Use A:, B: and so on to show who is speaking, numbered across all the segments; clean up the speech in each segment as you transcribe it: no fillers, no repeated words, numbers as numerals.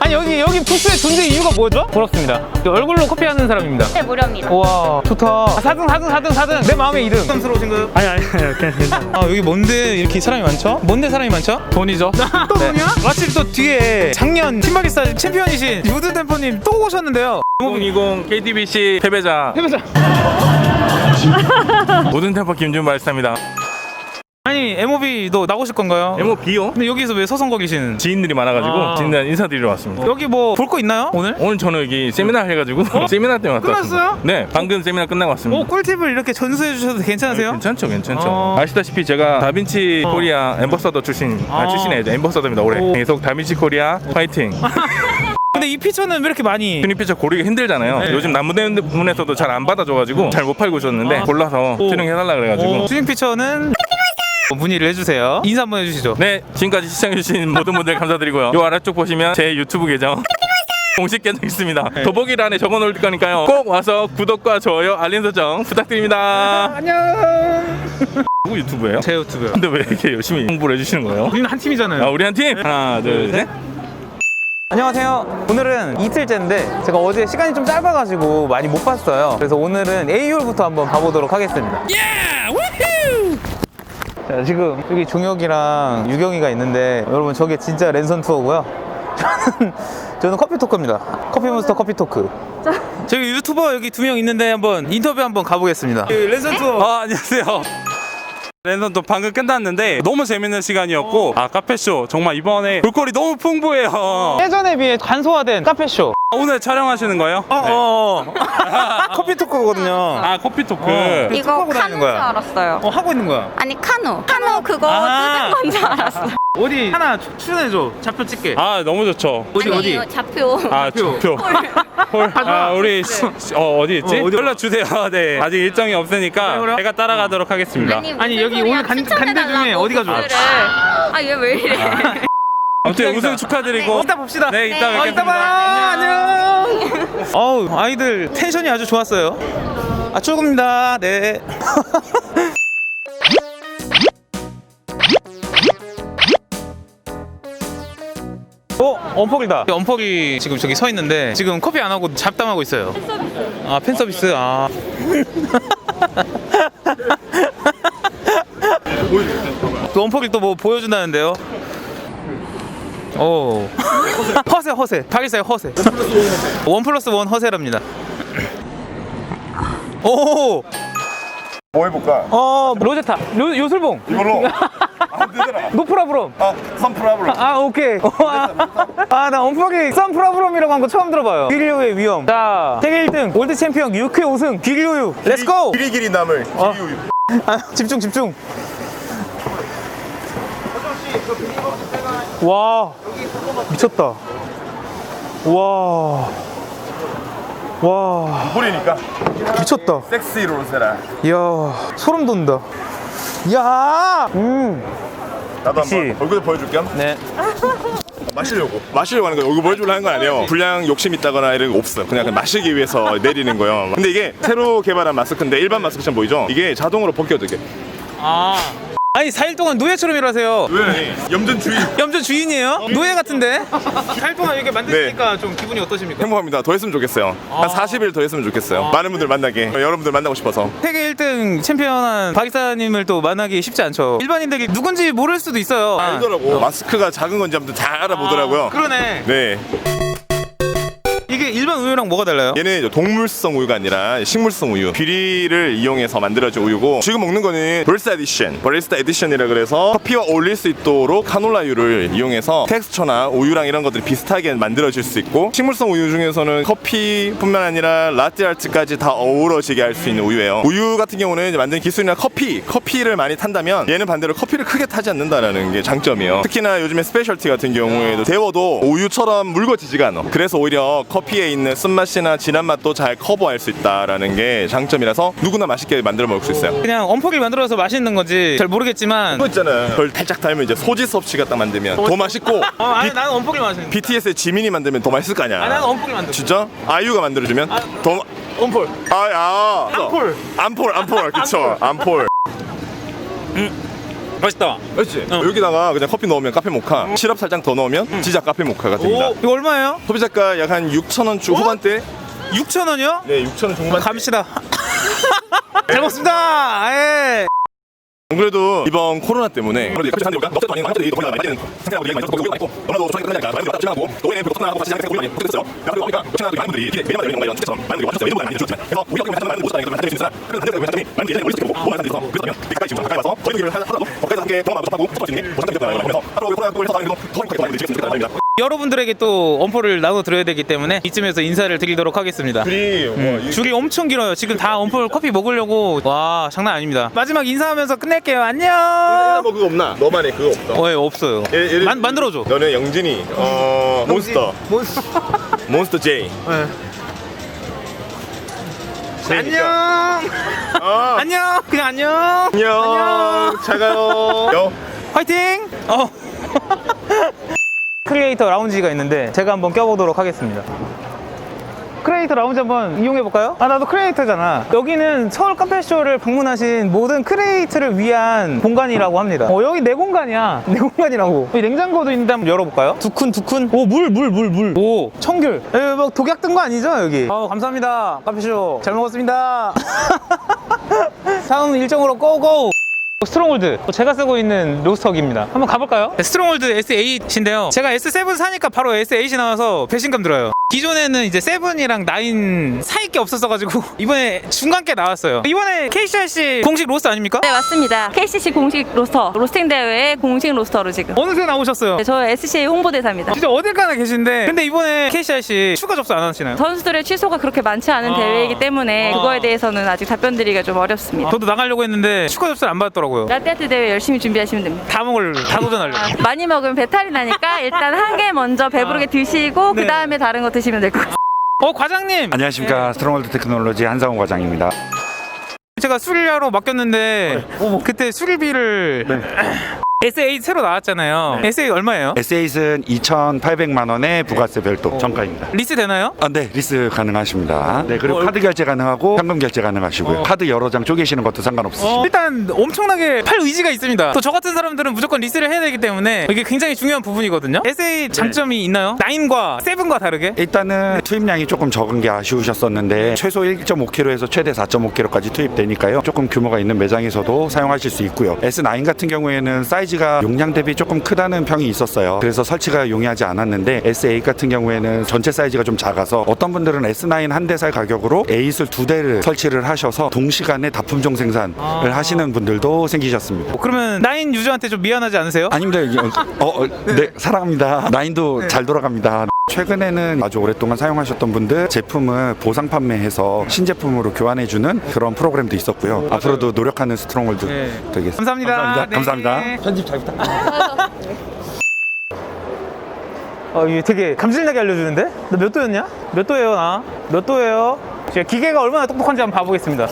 A: 아니 여기 부스의 존재 이유가 뭐죠? 부럽습니다. 얼굴로 커피하는 사람입니다.
B: 네, 무료입니다.
A: 우와 좋다. 4등 내 마음의 2등. 부담스러우신가요?
C: 아니 그냥 괜찮아.
A: 아 여기 뭔데 이렇게 사람이 많죠? 뭔데 사람이 많죠?
C: 돈이죠.
A: 또 돈이야? 마침 또 뒤에 작년 팀바리스타 챔피언이신 유드 템포님 또 오셨는데요.
D: 2020 KTBC 패배자
A: 해보자.
D: 모든 템포 김준 바리스타입니다.
A: 아니 MOB도 나오실 건가요?
D: MOB요?
A: 근데 여기서 왜 서성거 계시는?
D: 지인들이 많아가지고 지인들 인사드리러 왔습니다.
A: 여기 뭐 볼 거 있나요 오늘?
D: 오늘 저는 여기 세미나 해가지고 세미나 때문에 왔다
A: 끝났어요?
D: 왔습니다. 네, 방금 세미나 끝나고 왔습니다.
A: 오 꿀팁을 이렇게 전수해 주셔도 괜찮으세요?
D: 괜찮죠. 아시다시피 제가 다빈치 코리아 엠버서더 출신이에요. 엠버서더입니다. 올해 계속 다빈치 코리아 파이팅.
A: 근데 이 피처는 왜 이렇게 많이?
D: 튜닝 피처 고르기 힘들잖아요.
A: 네.
D: 요즘 남부대문에서도 잘 안 받아줘가지고 잘 못 팔고 있었는데 골라서 튜닝 해달라 그래가지고.
A: 튜닝 피처는 문의를 해주세요. 인사 한번 해주시죠.
D: 네, 지금까지 시청해주신 모든 분들 감사드리고요. 요 아래쪽 보시면 제 유튜브 계정 공식 계정 있습니다. 더보기란에 적어놓을 거니까요. 꼭 와서 구독과 좋아요, 알림 설정 부탁드립니다.
A: 안녕.
D: 누구 유튜브예요?
A: 제 유튜브요.
D: 근데 왜 이렇게 열심히 홍보를 해주시는 거예요?
A: 우리는 한 팀이잖아요.
D: 아, 우리 한 팀? 하나, 둘, 셋.
A: 안녕하세요. 오늘은 이틀째인데 제가 어제 시간이 좀 짧아가지고 많이 못 봤어요. 그래서 오늘은 A홀부터 한번 가보도록 하겠습니다. 자, 지금 여기 종혁이랑 유경이가 있는데 여러분 저게 진짜 랜선 투어고요. 저는 커피 토크입니다. 커피몬스터 커피 토크. 저기 유튜버 여기 2명 있는데 한번 인터뷰 한번 가보겠습니다. 랜선 투어.
C: 안녕하세요. 랜선도 방금 끝났는데 너무 재밌는 시간이었고 카페쇼 정말 이번에 볼거리 너무 풍부해요.
A: 예전에 비해 간소화된 카페쇼.
C: 오늘 촬영하시는 거예요?
A: 커피 토크거든요.
C: 커피 토크.
B: 이거
A: 하고 다니는
B: 카누인 줄
A: 거야.
B: 알았어요.
A: 하고 있는 거야.
B: 아니, 카누 그거
A: 아.
B: 뜨는 건 줄 알았어.
A: 어디 하나 출연해줘. 좌표 찍게.
C: 너무 좋죠.
A: 어디
B: 아니,
A: 어디?
B: 이거 좌표.
C: 좌표. 홀. 우리 어디 있지?
A: 어디?
C: 연락 주세요. 네. 아직 일정이 없으니까
A: 그래요?
C: 제가 따라가도록 하겠습니다.
A: 아니, 여기 오늘 간대 중에 어디가 좋아?
B: 얘 왜 이래?
C: 아무튼 우승 축하드리고.
A: 이따 봅시다.
C: 네, 이따
A: 이따
C: 뵙겠습니다.
A: 봐요. 안녕. 어우, 아이들 텐션이 아주 좋았어요. 출근입니다. 네. 엄퍽이다. 엄퍽이 지금 저기 서 있는데 지금 커피 안 하고 잡담하고 있어요. 팬 서비스. 또 엄퍽이 또 뭐 보여준다는데요. 오. 허세. 박일사의 허세. 1+1 허세랍니다. 오.
E: 뭐 해볼까?
A: 로제타. 요술봉.
E: 이걸로 안 되더라.
A: 노프라브롬.
E: 선프라블럼.
A: 오케이. 나 엄퍽이 썬프라브롬이라고 한 거 처음 들어봐요. 귀리오의 위험. 자, 세계 1등, 월드 챔피언 6회 5승, 귀리오유. 렛츠고!
E: 길이 남을 기우유.
A: 집중. 와, 미쳤다. 와,
E: 보리니까
A: 미쳤다.
E: 섹시 로세라.
A: 이야, 소름 돋는다. 이야,
E: 나도
A: 역시.
E: 한번 얼굴 보여줄게요.
A: 네.
E: 마시려고 하는 거예요. 얼굴 보여주려고 하는 건 아니에요. 분량 욕심 있다거나 이런 거 없어요. 그냥 마시기 위해서 내리는 거예요. 근데 이게 새로 개발한 마스크인데 일반 마스크처럼 보이죠? 이게 자동으로 벗겨져. 이게.
A: 아니 4일 동안 노예처럼 일하세요.
E: 왜? 염전 주의.
A: 염전 주인이에요? 노예 같은데? 4일 동안 이렇게 만드시니까 좀 기분이 어떠십니까?
E: 행복합니다. 더 했으면 좋겠어요. 한 40일 더 했으면 좋겠어요. 많은 분들 만나게. 여러분들 만나고 싶어서.
A: 세계 1등 챔피언한 박이사님을 또 만나기 쉽지 않죠. 일반인들이 누군지 모를 수도 있어요.
E: 알더라고. 마스크가 작은 건지 아무튼 잘 알아보더라고요.
A: 그러네.
E: 네.
A: 이게 일반 우유랑 뭐가 달라요?
E: 얘는 이제 동물성 우유가 아니라 식물성 우유, 귀리를 이용해서 만들어진 우유고, 지금 먹는 거는 버리스타 에디션이라 그래서 커피와 어울릴 수 있도록 카놀라유를 이용해서 텍스처나 우유랑 이런 것들이 비슷하게 만들어질 수 있고, 식물성 우유 중에서는 커피뿐만 아니라 라떼 아트까지 다 어우러지게 할 수 있는 우유예요. 우유 같은 경우는 이제 만드는 기술이나 커피를 많이 탄다면 얘는 반대로 커피를 크게 타지 않는다라는 게 장점이에요. 특히나 요즘에 스페셜티 같은 경우에도 데워도 우유처럼 묽어지지가 않아. 그래서 오히려 커피에 있는 쓴맛이나 진한 맛도 잘 커버할 수 있다라는 게 장점이라서 누구나 맛있게 만들어 먹을 수 있어요.
A: 그냥 엄퍽이 만들어서 맛있는 건지 잘 모르겠지만
E: 그거 있잖아. 그걸 살짝 닮으면 이제 소지섭 씨가 딱 만들면 더 맛있고,
A: 아니 나는 엄퍽이 맛있는
E: BTS의 지민이 만들면 더 맛있을 거 아니야.
A: 나는 엄퍽이 만들어.
E: 진짜? 아이유가 만들어주면 더
A: 엄폴.
E: 암폴 그쵸. 암폴.
A: 맛있다.
E: 그렇지. 여기다가 그냥 커피 넣으면 카페 모카, 시럽 살짝 더 넣으면 진짜 카페 모카가 됩니다.
A: 오, 이거 얼마예요?
E: 소비자가 약 한 6,000원 중 후반대.
A: 6,000원이요?
E: 네, 6,000원 중반대.
A: 갑시다. 잘 먹습니다. 예.
E: 안 그래도 이번 코로나 때문에 아무래도 커피 사는 데보다 넉살 많이 많이 더 많이 되는 상태라고 얘기 많이 들었고 있고 너무나도 저희가 끝나니까 많이 왔다 지나고 노예는 그렇구나 같이 시장에서 우리가 어떻게 됐어요? 그리고 보니까 역시나 많은 분들이 이렇게 매일마다 이런 것처럼 많은 분들이 와주셨어요. 이런 분들 많이 주셨지만 그래서 우리가 그냥 하는 모습 아니까 만들 수 있으나 그런 한대가 회장님이 많은 분들이 우리 시켜보고 많은 분들이 그래서 여기까지 지금 가까이 와서 저희 얘기를 하다도 거기서 함께 경험하고 싶하고 싶을 수 있는 보상적인 것들 그래서 앞으로 코로나 걸 해서 다니면서 더 행복하게 많이 되시겠으면 좋겠다는 바람입니다.
A: 여러분들에게 또 엄포를 나눠드려야 되기 때문에 이쯤에서 인사를 드리도록 하겠습니다. 줄이 엄청 길어요. 지금 다 엄포 커피 먹으려고. 와, 장난 아닙니다. 마지막 인사하면서 끝낼게요. 안녕.
E: 뭐 그거 없나? 너만의 그거 없어?
A: 예, 없어요. 만들어줘.
E: 너는 영진이 몬스터 J.
A: 안녕. 안녕. 그냥 안녕.
E: 안녕. 잘 가요.
A: 화이팅. 크리에이터 라운지가 있는데 제가 한번 껴보도록 하겠습니다. 크리에이터 라운지 한번 이용해볼까요? 아, 나도 크리에이터잖아. 여기는 서울 카페쇼를 방문하신 모든 크리에이터를 위한 공간이라고 합니다. 여기 내 공간이야. 내 공간이라고. 여기 냉장고도 있는데 한번 열어볼까요? 두쿤. 오, 물. 오, 청귤. 여기 막 독약 든 거 아니죠, 여기? 감사합니다. 카페쇼. 잘 먹었습니다. 다음 일정으로 고고! 스트롱홀드, 제가 쓰고 있는 로스터기입니다. 한번 가볼까요? 스트롱홀드 S8인데요. 제가 S7 사니까 바로 S8이 나와서 배신감 들어요. 기존에는 이제 7이랑 9 사이 게 없었어가지고 이번에 중간 게 나왔어요. 이번에 KCRC 공식 로스터 아닙니까?
B: 네, 맞습니다. KCC 공식 로스터, 로스팅 대회의 공식 로스터로 지금.
A: 어느새 나오셨어요?
B: 네, 저 SCA 홍보대사입니다.
A: 진짜 어딜 가나 계신데 근데 이번에 KCRC 추가 접수 안 하시나요?
B: 선수들의 취소가 그렇게 많지 않은 대회이기 때문에 그거에 대해서는 아직 답변 드리기가 좀 어렵습니다.
A: 저도 나가려고 했는데 추가 접수를 안 받았더라고요.
B: 라떼아트 대회 열심히 준비하시면 됩니다.
A: 다 도전하려고.
B: 많이 먹으면 배탈이 나니까 일단 한 개 먼저 배부르게 드시고
A: 네.
B: 그 다음에 다른 거 드시면 될 것 같아요.
A: 과장님!
F: 안녕하십니까. 스트롱월드 테크놀로지 한상호 과장입니다.
A: 제가 수리하러 맡겼는데 그때 수리비를 S8 새로 나왔잖아요. S8 얼마예요?
F: S8은 2,800만 원에 부가세 별도 정가입니다.
A: 리스 되나요?
F: 네, 리스 가능하십니다. 네, 그리고 카드 결제 가능하고 현금 결제 가능하시고요. 카드 여러 장 쪼개시는 것도 상관없으십니다.
A: 일단 엄청나게 팔 의지가 있습니다. 또 저 같은 사람들은 무조건 리스를 해야 되기 때문에 이게 굉장히 중요한 부분이거든요. S8 장점이 있나요? 9과 7과 다르게?
F: 일단은 투입량이 조금 적은 게 아쉬우셨었는데 최소 1.5kg에서 최대 4.5kg까지 투입되니까요. 조금 규모가 있는 매장에서도 사용하실 수 있고요. S9 같은 경우에는 사이즈가 용량 대비 조금 크다는 평이 있었어요. 그래서 설치가 용이하지 않았는데 S8 같은 경우에는 전체 사이즈가 좀 작아서 어떤 분들은 S9 한 대 살 가격으로 A8을 2대를 설치를 하셔서 동시간에 다품종 생산을 하시는 분들도 생기셨습니다.
A: 그러면 9 유저한테 좀 미안하지 않으세요?
F: 아닙니다. 네, 사랑합니다. 9도 잘 돌아갑니다. 최근에는 아주 오랫동안 사용하셨던 분들 제품을 보상 판매해서 신제품으로 교환해주는 그런 프로그램도 있었고요. 앞으로도 노력하는 스트롱홀드 되겠습니다.
A: 감사합니다.
F: 감사합니다.
A: 네. 편집 잘 부탁드립니다. 이게 되게 감질나게 알려주는데? 너 몇 도였냐? 몇 도예요, 나? 몇 도예요? 제가 기계가 얼마나 똑똑한지 한번 봐보겠습니다.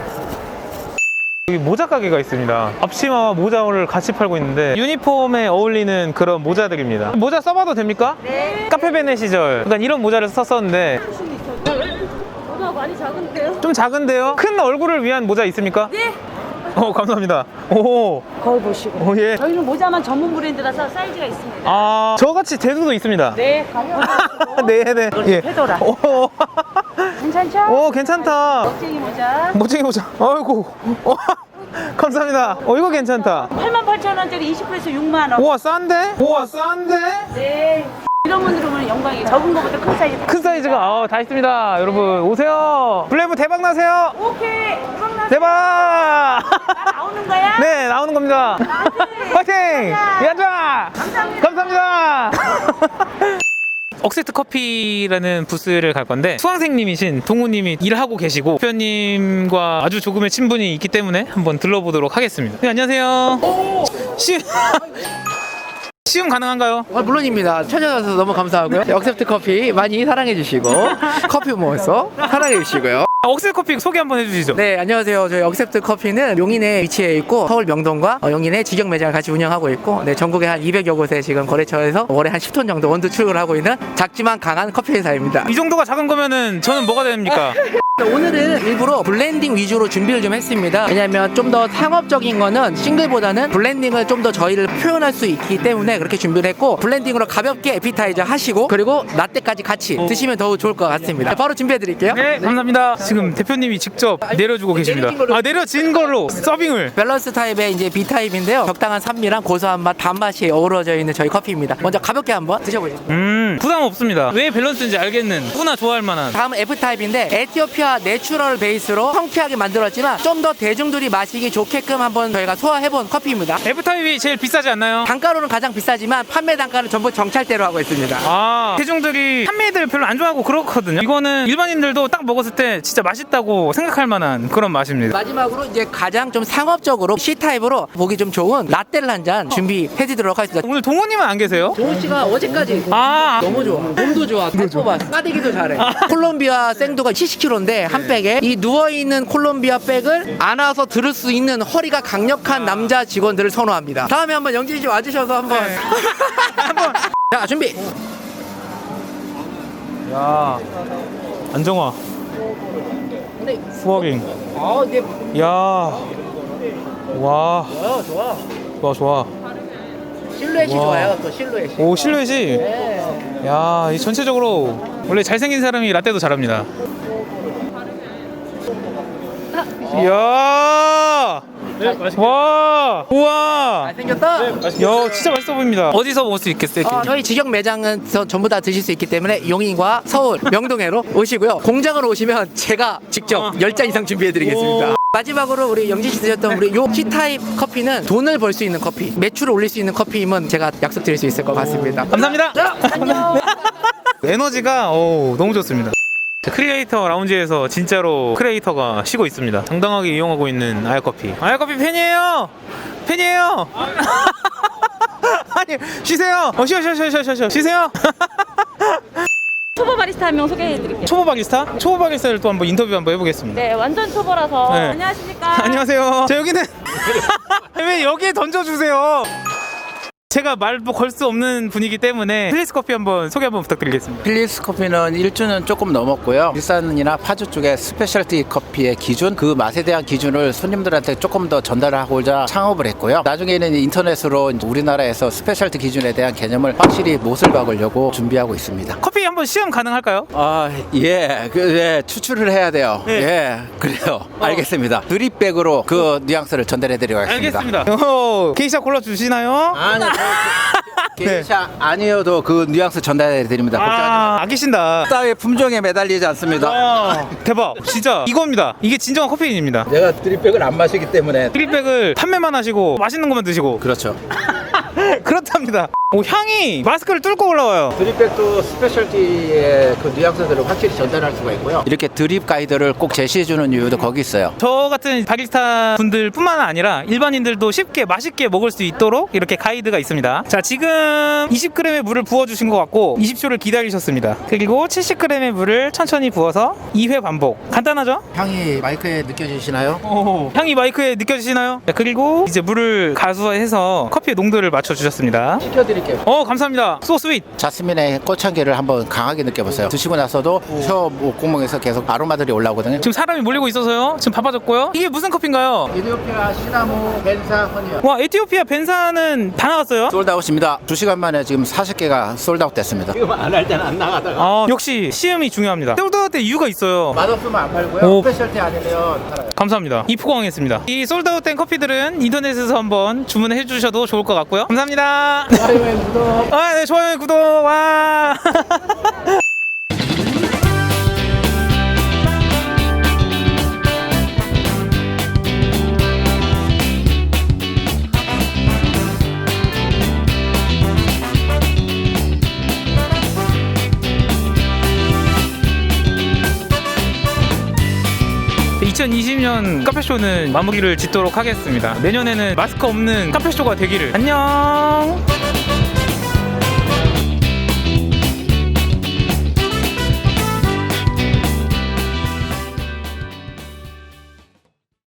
A: 여기 모자 가게가 있습니다. 앞치마와 모자를 같이 팔고 있는데 유니폼에 어울리는 그런 모자들입니다. 모자 써봐도 됩니까? 네. 카페베네 시절 약간 이런 모자를 썼었는데
G: 모자가 많이 작은데요?
A: 좀 작은데요? 큰 얼굴을 위한 모자 있습니까?
G: 네.
A: 감사합니다. 오.
G: 거울 보시고.
A: 예.
G: 저희는 모자만 전문 브랜드라서 사이즈가 있습니다.
A: 저같이 대두도 있습니다.
G: 네, 가격.
A: 네. 예.
G: 페도라.
A: 오.
G: 괜찮죠?
A: 괜찮다.
G: 멋쟁이 모자.
A: 멋쟁이 모자. 아이고. 감사합니다. 이거 괜찮다.
G: 88,000원짜리 20%에서 6만 원.
A: 우와, 싼데?
G: 네. 이런 분들 오면 영광이에요. 적은 거보다 큰 사이즈.
A: 큰 사이즈가 다 있습니다. 여러분 오세요. 블레이브 대박 나세요.
G: 오케이.
A: 대박.
G: 나 나오는 거야?
A: 네, 나오는 겁니다. 화이팅. 야자. 감사합니다. 억세트 커피라는 부스를 갈 건데 수강생님이신 동우님이 일하고 계시고 대표님과 아주 조금의 친분이 있기 때문에 한번 들러보도록 하겠습니다. 네, 안녕하세요. 시음 가능한가요?
H: 물론입니다. 찾아와서 너무 감사하고요. 억셉트 커피 많이 사랑해 주시고 커피 모어서 사랑해 주시고요.
A: 억세트 커피 소개 한번 해주시죠.
H: 네, 안녕하세요. 저희 억셉트 커피는 용인에 위치해 있고 서울 명동과 용인에 직영 매장을 같이 운영하고 있고 전국에 한 200여 곳에 지금 거래처에서 월에 한 10톤 정도 원두 출고를 하고 있는 작지만 강한 커피 회사입니다.
A: 이 정도가 작은 거면은 저는 뭐가 됩니까?
H: 오늘은 일부러 블렌딩 위주로 준비를 좀 했습니다. 왜냐면 좀 더 상업적인 거는 싱글보다는 블렌딩을 좀 더 저희를 표현할 수 있기 때문에 그렇게 준비를 했고, 블렌딩으로 가볍게 에피타이저 하시고 그리고 라떼까지 같이 드시면 더 좋을 것 같습니다. 바로 준비해 드릴게요.
A: 네, 감사합니다. 지금 대표님이 직접 내려주고 계십니다. 내려진 걸로 서빙을.
H: 밸런스 타입의 이제 B 타입인데요. 적당한 산미랑 고소한 맛, 단맛이 어우러져 있는 저희 커피입니다. 먼저 가볍게 한번 드셔보시죠.
A: 부담 없습니다. 왜 밸런스인지 알겠는 누구나 좋아할 만한.
H: 다음은 F 타입인데 에티오피아 내추럴 베이스로 성피하게 만들었지만 좀 더 대중들이 마시기 좋게끔 한번 저희가 소화해본 커피입니다.
A: F타입이 제일 비싸지 않나요?
H: 단가로는 가장 비싸지만 판매 단가는 전부 정찰대로 하고 있습니다.
A: 아, 대중들이 판매들 별로 안 좋아하고 그렇거든요. 이거는 일반인들도 딱 먹었을 때 진짜 맛있다고 생각할 만한 그런 맛입니다.
H: 마지막으로 이제 가장 좀 상업적으로 C 타입으로 보기 좀 좋은 라떼를 한 잔 준비해드리도록 하겠습니다.
A: 오늘 동호님은 안 계세요?
H: 동훈 씨가 어제까지 너무 좋아. 몸도 좋아. 잘 뽑아. 싸대기도 잘해. 콜롬비아 생두가 70kg인데 한 백에 이 누워있는 콜롬비아 백을 안아서 들을 수 있는 허리가 강력한 남자 직원들을 선호합니다. 다음에 한번 영진 씨 와주셔서 한번 자 준비.
A: 야, 안정화. 후어깅.
H: 네.
A: 야, 와,
H: 좋아.
A: 좋아.
H: 실루엣이
A: 와.
H: 좋아요. 또 실루엣이.
A: 오, 실루엣이.
H: 네.
A: 야, 이 전체적으로 원래 잘생긴 사람이 라떼도 잘합니다. 이야, 와, 우와,
H: 잘생겼다.
A: 야, 진짜 맛있어 보입니다. 어디서 먹을 수 있겠어요?
H: 저희 직영 매장은 전부 다 드실 수 있기 때문에 용인과 서울, 명동에로 오시고요. 공장으로 오시면 제가 직접 10잔 이상 준비해드리겠습니다. 마지막으로 우리 영진 씨 드셨던 우리 요 C타입 커피는 돈을 벌 수 있는 커피, 매출을 올릴 수 있는 커피임은 제가 약속드릴 수 있을 것 같습니다.
A: 감사합니다.
H: 자, 안녕.
A: 에너지가 너무 좋습니다. 크리에이터 라운지에서 진짜로 크리에이터가 쉬고 있습니다. 당당하게 이용하고 있는 아야커피. 아야커피 팬이에요. 아니, 쉬세요. 쉬어. 쉬세요.
B: 초보 바리스타 한 명 소개해드릴게요.
A: 초보 바리스타를 또 한번 인터뷰 한번 해보겠습니다.
B: 네, 완전 초보라서.
A: 네.
B: 안녕하십니까.
A: 안녕하세요. 자, 여기는 왜 여기에 던져주세요. 제가 말도 걸 수 없는 분이기 때문에 필리스 커피 한번 소개 한번 부탁드리겠습니다.
I: 필리스 커피는 1주는 조금 넘었고요. 일산이나 파주 쪽의 스페셜티 커피의 기준, 그 맛에 대한 기준을 손님들한테 조금 더 전달하고자 창업을 했고요. 나중에는 인터넷으로 우리나라에서 스페셜티 기준에 대한 개념을 확실히 못을 박으려고 준비하고 있습니다.
A: 커피 한번 시험 가능할까요?
I: 추출을 해야 돼요.
A: 네.
I: 예, 그래요. 알겠습니다. 드립백으로 그 뉘앙스를 전달해드리고 하겠습니다.
A: 알겠습니다. 게이샤 골라주시나요?
I: 아니, 게이샤 아니어도 그 뉘앙스 전달해드립니다.
A: 아끼신다.
I: 따위의 품종에 매달리지 않습니다.
A: 와, 대박. 진짜 이겁니다. 이게 진정한 커피인입니다.
I: 내가 드립백을 안 마시기 때문에.
A: 드립백을 판매만 하시고 맛있는 것만 드시고.
I: 그렇죠.
A: 그렇답니다. 향이 마스크를 뚫고 올라와요.
I: 드립백도 스페셜티의 그 뉘앙스들을 확실히 전달할 수가 있고요. 이렇게 드립 가이드를 꼭 제시해주는 이유도 거기 있어요.
A: 저 같은 바리스타 분들 뿐만 아니라 일반인들도 쉽게 맛있게 먹을 수 있도록 이렇게 가이드가 있습니다. 자, 지금 20g의 물을 부어주신 것 같고 20초를 기다리셨습니다. 그리고 70g의 물을 천천히 부어서 2회 반복. 간단하죠?
I: 향이 마이크에 느껴지시나요?
A: 향이 마이크에 느껴지시나요? 자, 그리고 이제 물을 가수해서 커피의 농도를 맞춰주셨습니다.
I: 시켜드릴게요.
A: 감사합니다. 소 스윗.
I: 자스민의 꽃향기를 한번 강하게 느껴보세요. 드시고 나서도 혀 목구멍에서 계속 아로마들이 올라오거든요.
A: 지금 사람이 몰리고 있어서요. 지금 바빠졌고요. 이게 무슨 커피인가요?
I: 에티오피아 시나모 벤사 허니요.
A: 와, 에티오피아 벤사는 다 나갔어요?
I: 솔드아웃입니다. 2시간 만에 지금 40개가 솔드아웃 됐습니다. 지금 안 할 때는 안 나가다가.
A: 역시 시음이 중요합니다. 솔드아웃 때 이유가 있어요.
I: 맛없으면 안 팔고요. 스페셜티 아니면 팔아요.
A: 감사합니다. 입포강했습니다. 이 솔드아웃 된 커피들은 인터넷에서 한번 주문해 주셔도 좋을 것 같고요. 감사합니다.
I: 좋아요에 구독.
A: 네, 좋아요, 구독. 와. 2020년 카페쇼는 마무리를 짓도록 하겠습니다. 내년에는 마스크 없는 카페쇼가 되기를. 안녕.